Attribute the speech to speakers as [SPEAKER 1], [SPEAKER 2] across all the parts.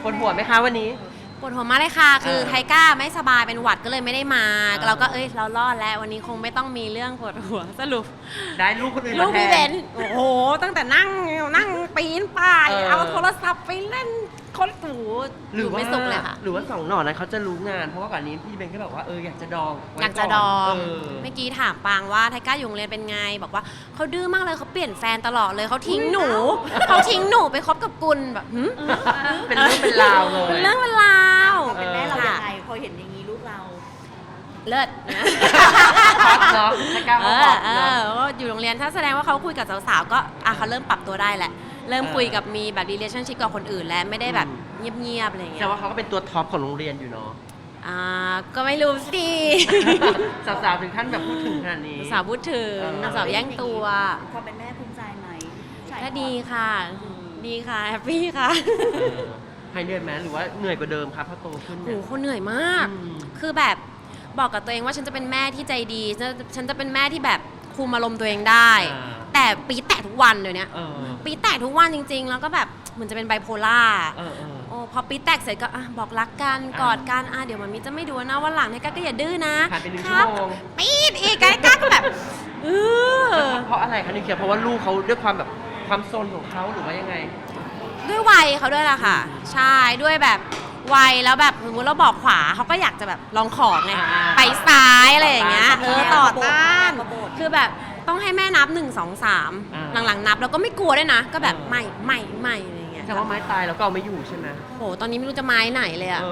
[SPEAKER 1] ปวดหัวไหมคะวันนี้
[SPEAKER 2] ปวดหัวมากเลยค่ะคือไทก้าไม่สบายเป็นหวัดก็เลยไม่ได้มาเราก็เรารอดแล้ววันนี้คงไม่ต้องมีเรื่องปวดหัวสรุป
[SPEAKER 1] ได้ลูกคนอื่น
[SPEAKER 2] ลู
[SPEAKER 1] มาก แท
[SPEAKER 2] พี่เบ
[SPEAKER 1] น
[SPEAKER 2] นโอ้โหตั้งแต่นั่งปีนป่ายเอาโทรศัพท์ไปเล่นคนหูอยู่ไม่สุขเลยค่ะ
[SPEAKER 1] หรือว่า2 หน่อนั้นเขาจะรู้งานเพราะว่าก่อนนี้พี่เบนก็แบบว่าอยากจะดอง
[SPEAKER 2] อยากจะดองเมื่อกี้ถามปางว่าไทก้าอยู่โรงเรียนเป็นไงบอกว่าเขาดื้อมากเลยเขาเปลี่ยนแฟนตลอดเลยเขาทิ้งหนูไปคบกับกุลแบบ
[SPEAKER 1] เป็นเรื่องเป็นราวเลย
[SPEAKER 2] เป็นเรื่องเป็นราว
[SPEAKER 3] เป็นแม่เรายังไงพอเห็นอย่างนี้ลูกเรา
[SPEAKER 2] เลิศ
[SPEAKER 1] ฮอตเนาะไทก้าเขาฮอตเนาะ
[SPEAKER 2] ก็อยู่โรงเรียนถ้าแสดงว่าเขาคุยกับสาวๆก็เขาเริ่มปรับตัวได้แหละเริ่มคุยกับมีแบบ relationship กับคนอื่นแล้วไม่ได้แบบเงียบๆอะไรอย่างเงี้ย
[SPEAKER 1] แต่ว่าเขาก็เป็นตัวท็อปของโรงเรียนอยู่เนาะ
[SPEAKER 2] ก็ไม่รู้สิ
[SPEAKER 1] สาวๆถึงขั้นแบบพูดถึงขนาดนี้
[SPEAKER 2] สาวพูดถึงสาวแย่งตัว
[SPEAKER 3] ความเป็นแม่ภูมิใจไหม
[SPEAKER 2] ก็ดีค่ะดีค่ะแฮปปี้ค่ะ
[SPEAKER 1] หายเหนื่อยไหมหรือว่าเหนื่อยกว่าเดิมครับพอโตขึ้น
[SPEAKER 2] โอ้โหเขาเหนื่อยมากคือแบบบอกกับตัวเองว่าฉันจะเป็นแม่ที่ใจดีฉันจะเป็นแม่ที่แบบคุมอารมณ์ตัวเองได้แต่ปีแตกทุกวันเดี๋ยวนี้ปีแตกทุกวันจริงๆแล้วก็แบบเหมือนจะเป็นไบโพล่าพอปีแตกเสร็จก็บอกรักกันกอดกันเดี๋ยวมันมีจะไม่ดูนะวันหลังเนี่ยก็อย่าดื้อนะ
[SPEAKER 1] ผ่านไป1 ชั่วโมง
[SPEAKER 2] ปีดอีกก้าก็แบบ
[SPEAKER 1] เพราะอะไรคะนิวเคลียร์เพราะว่าลูกเขาด้วยความแบบความโซนของเขาหรือว่ายังไง
[SPEAKER 2] ด้วยวัยเขาด้วยล่ะค่ะใช่ด้วยแบบวัยแล้วแบบสมมติเราบอกขวาเขาก็อยากจะแบบลองของไงไปซ้ายอะไรอย่างเงี้ยต่อต้านคือแบบต้องให้แม่นับ1 2 3หลังๆนับแล้วก็ไม่กลัวด้วยนะก็แบบไม่อะไรอย่างเงี้ย
[SPEAKER 1] แต่ว่าไม้ตายแล้วก็เอาไม่อยู่ใช่ไหม
[SPEAKER 2] โหตอนนี้ไม่รู้จะไม้ไหนเลยอะ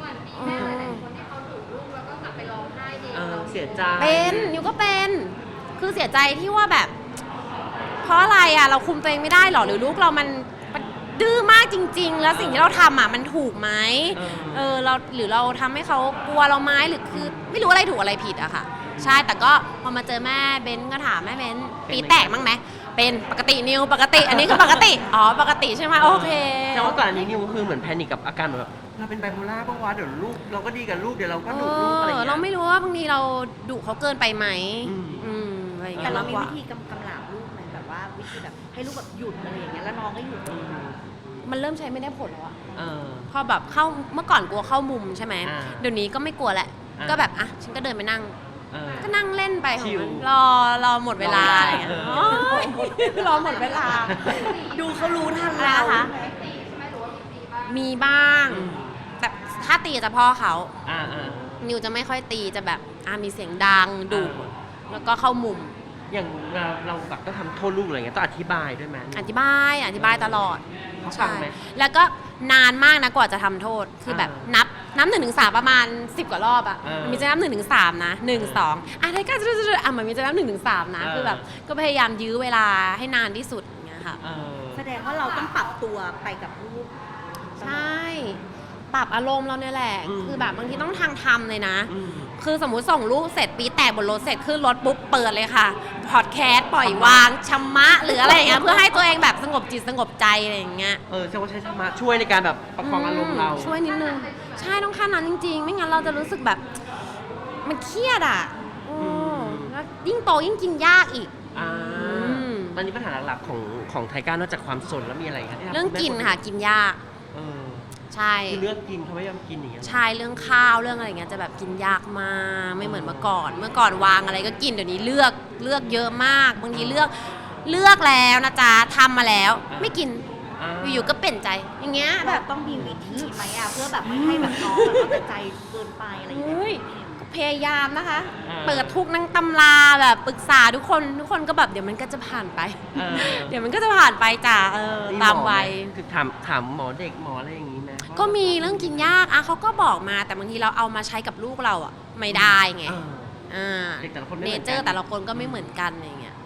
[SPEAKER 1] เสียใจ
[SPEAKER 2] เป็นนิวก็เป็นคือเสียใจที่ว่าแบบเพราะอะไรเราคุมตัวเองไม่ได้หรอหรือลูกเรามันดื้อมากจริงๆแล้วสิ่งที่เราทำมันถูกไหมเราหรือเราทำให้เขากลัวเราไหมหรือคือไม่รู้อะไรถูกอะไรผิดอะค่ะใช่แต่ก็พอมาเจอแม่เบนก็ถามแม่เบนปีแตกมั้งไหมเป็นปกตินิวปกติอันนี้คือปกติปกติใช่ไหมโอเค
[SPEAKER 1] แต่ว่าก่อนอันนี้นิวคือเหมือนแพนิคกับอาการแบบเราเป็นไบโพล่าป่ะวะเดี๋ยวลูกเราก็ดีกับลูกเดี๋ยวเราก็ดุลูกอะไรอย่างเงี้ย
[SPEAKER 2] เราไม่รู้ว่าบางทีเราดุเขาเกินไปไหมอะไรอย่างเงี้ย
[SPEAKER 3] แต่เรามีวิธีกำราบลูกไหมแบบว่าวิธีแบบให้ลูกแบบหยุดอะไรอย่างเงี้ยแล้วน้องก็หยุด
[SPEAKER 2] มันเริ่มใช้ไม่ได้ผลแล้วพอแบบเข้าเมื่อก่อนกลัวเข้ามุมใช่ไหมเดี๋ยวนี้ก็ไม่กลัวแหละก็แบบฉันก็เดินไปนั่งก็นั่งเล่นไปของมันรอหมดเวลาอะไรอย่างเงี้ยรอหมดเวลา
[SPEAKER 3] ดูเขารู้ทันแล้ว
[SPEAKER 2] นะคะมีบ้างแต่ถ้าตีจะพ่อเขานิวจะไม่ค่อยตีจะแบบมีเสียงดังดุแล้วก็เข้ามุม
[SPEAKER 1] อย่างเราแบบต้องทำโทษลูกอะไรเงี้ยต้องอธิบายด้วยไหม
[SPEAKER 2] อธิบายตลอด
[SPEAKER 1] เขาฟังไหม
[SPEAKER 2] แล้วก็นานมากนะกว่าจะทำโทษคือแบบนับ1 ถึง 3ประมาณ10 กว่ารอบมีจะนับ1 ถึง 3นะ1 2ไทก้ามันมีจะนับ1 ถึง 3นะคือแบบก็พยายามยื้อเวลาให้นานที่สุดอย่างเงี้ยค่ะ
[SPEAKER 3] แสดงว่าเราต้องปรับตัวไปกับลูก
[SPEAKER 2] ใช่ปรับอารมณ์เราเนี่ยแหละคือแบบบางทีต้องทำเลยนะคือสมมุติส่งลูกเสร็จปีแตกบนรถเสร็จขึ้นรถปุ๊บเปิดเลยค่ะพอดแคสต์ปล่อยวางชำมะหรืออะไรอย่างเงี้ยเพื่อให้ตัวเองแบบสงบจิตสงบใจอะไรอย่างเงี้ย
[SPEAKER 1] ใช่ว่าใช้ธรรมะช่วยในการแบบประคองอารมณ์เรา
[SPEAKER 2] ช่วยนิดนึงใช่ต้องขั้นนั้นจริงๆไม่งั้นเราจะรู้สึกแบบมันเครียดแล้วยิ่งโตยิ่งกินยากอีก
[SPEAKER 1] ตอนนี้ปัญหาหลักๆของไทก้านอกจากความสนแล้วมีอะไรคะ
[SPEAKER 2] เรื่องกินค่ะกินยากใช่
[SPEAKER 1] คือเลือกกินเขาไม่ยอมกินอย่างเงี้ย
[SPEAKER 2] ใช่เรื่องข้าวเรื่องอะไรเงี้ยจะแบบกินยากมากไม่เหมือนเมื่อก่อนวางอะไรก็กินเดี๋ยวนี้เลือกเยอะมากบางทีเลือกแล้วนะจ๊ะทำมาแล้วไม่กินอยู่ๆก็เปลี่ยนใจอย่างเงี้ย
[SPEAKER 3] แบบต้องมีวิธีไหมเพื่อแบบไม่ให้แบบน้องแบบเข้าใจเกินไปอะไรอย่างเงี้ย
[SPEAKER 2] พยายามนะคะเปิดทุกนั่งตำราแบบปรึกษาทุกคนก็แบบเดี๋ยวมันก็จะผ่านไปเดี๋ยวมันก็จะผ่านไปจ้ะตามวัย
[SPEAKER 1] คือถามหมอเด็กหมออะไรอย่างงี้นะ
[SPEAKER 2] ก็มีเรื่องกินยากเขาก็บอกมาแต่บางทีเราเอามาใช้กับลูกเราไม่ได้ไง
[SPEAKER 1] เด็กแต่ละคน
[SPEAKER 2] เนเจอร์แต่ละคนก็ไม่เหมือนกันอะไรเงี้ย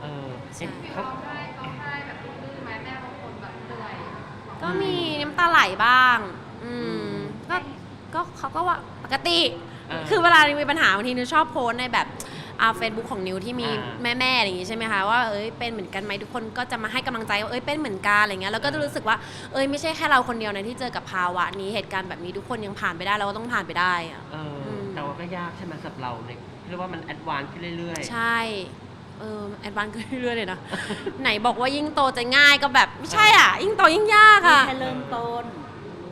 [SPEAKER 2] ก็มีน้ำตาไหลบ้างก็เขาก็ว่าปกติคือเวลามีปัญหาบางทีนิวชอบโพสในแบบเฟซบุ๊กของนิวที่มีแม่อย่างงี้ใช่ไหมคะว่าเป็นเหมือนกันไหมทุกคนก็จะมาให้กำลังใจว่าเป็นเหมือนกันอะไรเงี้ยแล้วก็จะรู้สึกว่าไม่ใช่แค่เราคนเดียวนะที่เจอกับภาวะนี้เหตุการณ์แบบนี้ทุกคนยังผ่านไปได้เราก็ต้องผ่านไปได้
[SPEAKER 1] แต่ว่าก็ยากใช่ไหมสำหรับเราเนี่ยเรียกว่ามันแอดวานซ์ขึ้นเรื่อย
[SPEAKER 2] ๆใช่แอดวานซ์ขึ้นเรื่อยๆเลยนะไหนบอกว่ายิ่งโตจะง่ายก็แบบไม่ใช่ยิ่งโตยิ่งยาก
[SPEAKER 3] แค่เริ่มต้น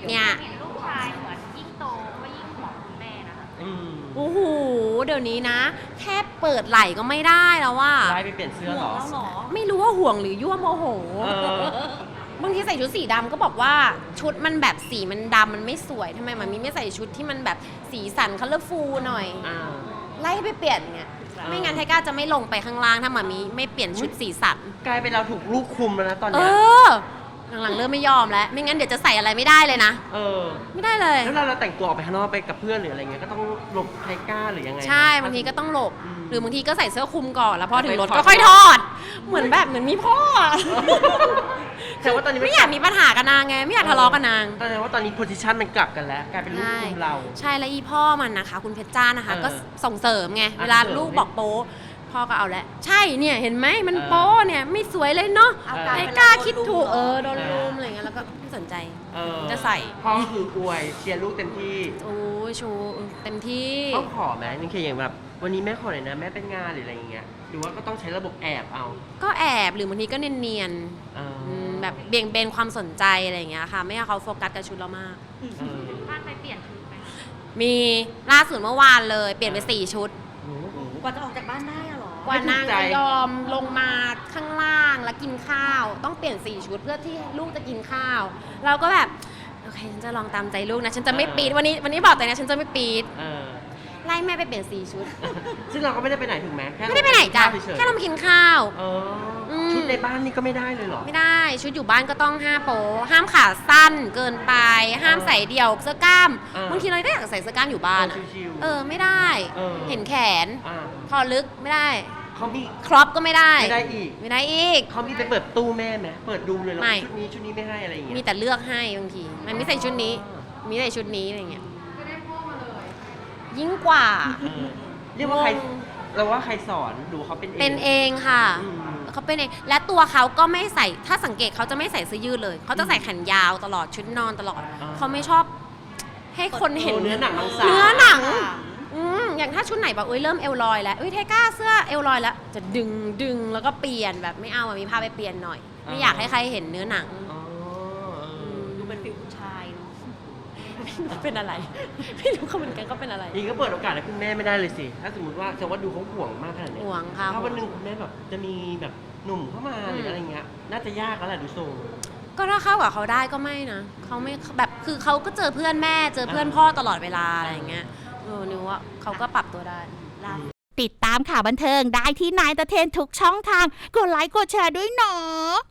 [SPEAKER 2] เนี่ย
[SPEAKER 3] เห็นลูกชายเหมือนยิ่งโตก็ยิ่งห่วงคุณแม่นะคะ
[SPEAKER 2] โอ้โหเดี๋ยวนี้นะ แค่เปิดไหล่ก็ไม่ได้แล้วว่า
[SPEAKER 1] ไล่ไปเปลี่ยนเสื้อเหรอ
[SPEAKER 3] แล้วเหรอ
[SPEAKER 2] ไม่รู้ว่าห่วงหรือยั่วโมโห
[SPEAKER 1] เออ
[SPEAKER 2] บางทีใส่ชุดสีดำก็บอกว่าชุดมันแบบสีมันดำมันไม่สวยทำไมมันมีไม่ใส่ชุดที่มันแบบสีสันคัลเลอร์ฟูลหน่อย
[SPEAKER 1] อ่า
[SPEAKER 2] ไล่ให้ไปเปลี่ยนไงไม่งั้นไทก้าจะไม่ลงไปข้างล่างถ้ามามีไม่เปลี่ยนชุดสีสัน
[SPEAKER 1] กลายเป็นเราถูกลูกคุมแล้วนะตอน
[SPEAKER 2] เอ
[SPEAKER 1] เนี้ย
[SPEAKER 2] อหลังๆเริ่มไม่ยอมแล้ว ไม่งั้นเดี๋ยวจะใส่อะไรไม่ได้เลยนะ
[SPEAKER 1] เออ
[SPEAKER 2] ไม่ได้เลย
[SPEAKER 1] แล้วเราแต่งตัวออกไปข้างนอกไปกับเพื่อนหรืออะไรเงี้ยก็ต้องหลบไทก้าหรือยังไง
[SPEAKER 2] ใช่บางทีก็ต้องหลบ
[SPEAKER 1] อืม
[SPEAKER 2] หรือบางทีก็ใส่เสื้อคลุมก่อนแล้วพอถึงรถ
[SPEAKER 1] ไปถอด
[SPEAKER 2] ก็ค่อยทอด เหมือนแบบเหมือนมีพ่ออะ
[SPEAKER 1] แต่ว่าตอนนี้
[SPEAKER 2] ไม่อยากมีปัญหากับนางไงไม่อยากทะเลาะกับนาง
[SPEAKER 1] แต่ว่าตอนนี้โพซิชันมันกลับกันแล้วกลายเป็นลูกคุมเรา
[SPEAKER 2] ใช่แล้วอีพ่อมันนะคะ คุณเพชรจ้านะคะ
[SPEAKER 1] เออ
[SPEAKER 2] ก็ส่งเสริมไงเวลา
[SPEAKER 1] เสริม
[SPEAKER 2] ลูกบอกโป๊พ่อก็เอาแล้วใช่เนี่ยเห็นไหมมัน
[SPEAKER 1] เออ
[SPEAKER 2] โป๊เนี่ยไม่สวยเลยเนาะ
[SPEAKER 3] เอากลาย
[SPEAKER 2] ไอ้
[SPEAKER 3] เป็น
[SPEAKER 2] กล้า
[SPEAKER 3] เราโดน
[SPEAKER 2] คิดถูก
[SPEAKER 3] ลุมเหรอ
[SPEAKER 2] โดนลุมอะไรเงี้ยแล้วก็ไม่สนใจ
[SPEAKER 1] เออ
[SPEAKER 2] จะใส่
[SPEAKER 1] พ่อคืออวยเชียร์ลูกเต็มที่
[SPEAKER 2] โอ้ยชูเต็มที่
[SPEAKER 1] ต้องขอไหมนี่คืออย่างแบบวันนี้แม่ขอหน่อยนะแม่เป็นงานหรืออะไรอย่างเงี้ยหรือว่าก็ต้องใช้ระบบแอบเอา
[SPEAKER 2] ก็แอบหรือบางทีก็เนียน
[SPEAKER 1] เออ
[SPEAKER 2] ๆแบบเบี่ยงเบนความสนใจอะไรอย่างเงี้ยค่ะไม่ให้เขาโฟกัสกับชุดเรามาก
[SPEAKER 1] เออ
[SPEAKER 3] บ้านไปเปลี่ยนชุดไหมคะ
[SPEAKER 2] มีล่าสุดเมื่อวานเลยเปลี่ยนไป4 ชุด
[SPEAKER 1] โอ้โห
[SPEAKER 3] กว่าจะออกจากบ้านได้อะเหรอ
[SPEAKER 2] กว่านาง
[SPEAKER 1] ไม่ถูกใจ
[SPEAKER 2] จะยอมลงมาข้างล่างแล้วกินข้าว ต้องเปลี่ยน4 ชุดเพื่อที่ลูกจะกินข้าว เราก็แบบโอเคฉันจะลองตามใจลูกนะฉันจะไม่ปีดวันนี้บอกแต่นะฉันจะไม่ปีด
[SPEAKER 1] เออ
[SPEAKER 2] ไล่แม่ไปเปลี่ยน4 ชุด
[SPEAKER 1] ซึ่งเราก็ไม่ได้ไปไหนถูกไหมแค่
[SPEAKER 2] ไม่ได้ไปไหนจ้ะ
[SPEAKER 1] เฉยๆ
[SPEAKER 2] แค่เรามากินข้าว
[SPEAKER 1] เอออ
[SPEAKER 2] ม
[SPEAKER 1] ชุดในบ้านนี่ก็ไม่ได้เลยเหรอ
[SPEAKER 2] ไม่ได้ชุดอยู่บ้านก็ต้อง5 โป๊ห้ามขาสั้นเกินไป ห้ามใส่เดี่ยวเสื้อกล้าม
[SPEAKER 1] เออ
[SPEAKER 2] บางทีเราก็อยากใส่เสื้อกล้ามอยู่บ้านอะ
[SPEAKER 1] ชิวๆ
[SPEAKER 2] ไม่ได้
[SPEAKER 1] เออ
[SPEAKER 2] เห็นแขน
[SPEAKER 1] อ่า
[SPEAKER 2] คอลึกไม่ได้
[SPEAKER 1] เขามี
[SPEAKER 2] ครอปก็ไม่ได้
[SPEAKER 1] ไม่ได้อีก
[SPEAKER 2] ไม่ได้อีก
[SPEAKER 1] เขามีไปเปิดตู้แม่ไหมเปิดดูเลยแล้ว
[SPEAKER 2] ไม่
[SPEAKER 1] ชุดนี้ไม่ให้อะไรอย่างเงี้ย
[SPEAKER 2] มีแต่เลือกให้บางที มันไม่ใส่ชุดนี้ มีใส่ชุดนี้อะไรเงี้ยยิ่งกว่า
[SPEAKER 1] เออเรียกว่าใครง
[SPEAKER 2] ง
[SPEAKER 1] เราว่าใครสอนดูเขาเป็นเอง
[SPEAKER 2] เป็นเองค่ะ
[SPEAKER 1] อืม
[SPEAKER 2] เขาเป็นเอง และตัวเขาก็ไม่ใส่ ถ้าสังเกตเขาจะไม่ใส่เสื้อยืดเลย เขาจะใส่แขนยาวตลอดชุดนอนตลอด
[SPEAKER 1] อ่า
[SPEAKER 2] เขาไม่ชอบให้คนเห็น
[SPEAKER 1] เนื้อหนังมังสา
[SPEAKER 2] เนื้อหนัง อย่างถ้าชุดไหนแบบเริ่มเอวลอยแล้วไทก้าเสื้อเอวลอยแล้ว จะดึงแล้วก็เปลี่ยนแบบไม่เอามีผ้าไปเปลี่ยนหน่อย ไม่อยากให้ใครเห็นเนื้อหนัง
[SPEAKER 1] อ๋อเออ
[SPEAKER 3] ดูเป็นฟิลผู้ชายเนาะ
[SPEAKER 2] เป็นอะไร ไม่รู้เขาเหมือนกันก็เป็นอะไร
[SPEAKER 1] อย่างนี้ก็เปิดโอกาสให้คุณแม่ไม่ได้เลยสิ ถ้าสมมติว่าจะว่าดูเขาห่วงมากขนาดเนี้ย
[SPEAKER 2] ห่วงค่ะ
[SPEAKER 1] ถ้าวันหนึ่งคุณแม่แบบจะมีแบบหนุ่มเข้ามาหรืออะไรเงี้ย น่าจะยากแล้วแหละดูทรง
[SPEAKER 2] ก็ถ้าเข้ากับเขาได้ก็ไม่นะเขาไม่แบบคือเขาก็เจอเพื่อนแม่เจอเพื่อนพ่อตลอดเวลาอะไรอย่างเงี้ยนึกว่าเขาก็ปรับตัวได้
[SPEAKER 4] ติดตามข่าวบันเทิงได้ที่นายตะเทนทุกช่องทาง กดไลค์กดแชร์ด้วยเนาะ